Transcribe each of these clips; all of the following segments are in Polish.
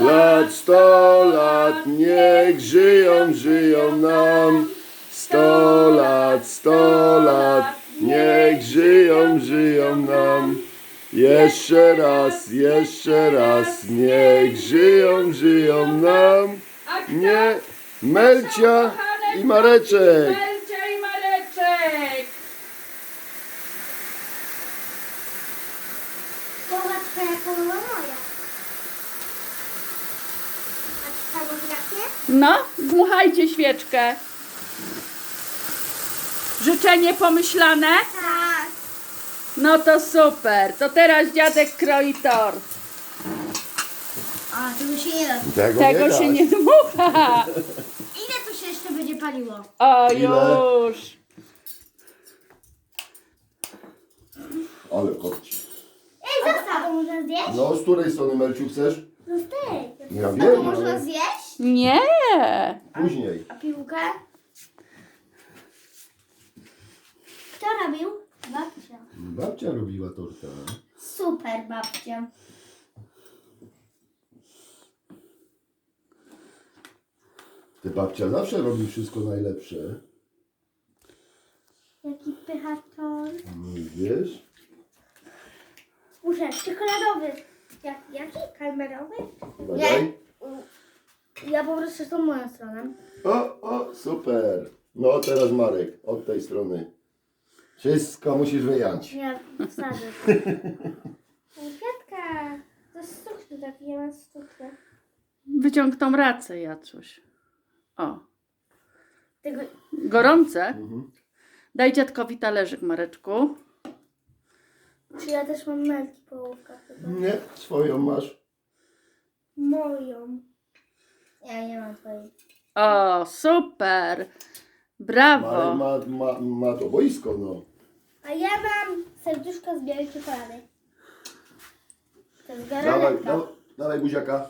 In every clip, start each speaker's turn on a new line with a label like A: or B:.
A: lat, 100 lat, niech żyją, żyją nam. 100 lat, niech żyją, żyją nam. Jeszcze raz, niech żyją, żyją nam. Nie, Melcia i Mareczek.
B: Melcia i Mareczek.
C: Połowa twoja, połowa moja. A ty samografię?
B: No, dmuchajcie świeczkę. Życzenie pomyślane?
C: Tak.
B: No to super. To teraz dziadek kroi tort.
C: A, tego się nie da.
B: Tego się nie dmucha.
C: Ile tu się jeszcze będzie paliło?
B: O,
A: Ile?
B: już.
A: Ale kopci.
C: Ej, zostaw! To można zjeść?
A: No, z której strony, Melciu, chcesz?
C: Zostaw.
A: Ja
C: A to
A: wiem,
C: można
A: ale
C: zjeść?
B: Nie.
A: później.
C: A piłkę? Kto robił? Babcia.
A: Babcia robiła tortę.
C: Super babcia.
A: Ty babcia zawsze robi wszystko najlepsze.
C: Jaki pychator.
A: Wiesz?
C: Muszę, czekoladowy. Jaki? Kalmerowy?
A: Badaj.
C: Ja po prostu tą moją stroną.
A: O, super. No, teraz Marek, od tej strony. Wszystko musisz wyjąć.
C: Ja wsadzę. Kwiatka. To jest stukny taki, ja mam stuknę.
B: Wyciąg tą racę, Jacuś. O,
C: Tego...
B: gorące. Daj dziadkowi talerzyk, Mareczku.
C: Czy ja też mam melki połówka chyba?
A: Nie, swoją masz.
C: Moją. Ja nie mam twojej.
B: O, super.
A: Marek
B: Brawo.
A: ma to boisko, no.
C: A ja mam serduszko z białej czekolady. To jest
A: Dawaj,
C: garanetka.
A: dawaj buziaka.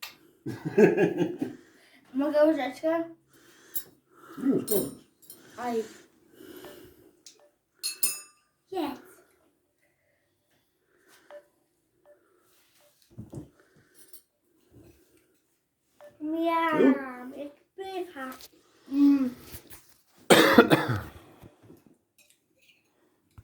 C: Mogę łyżeczkę?
A: Już, koniec.
C: Oj. Jest. Miam, jak pycha.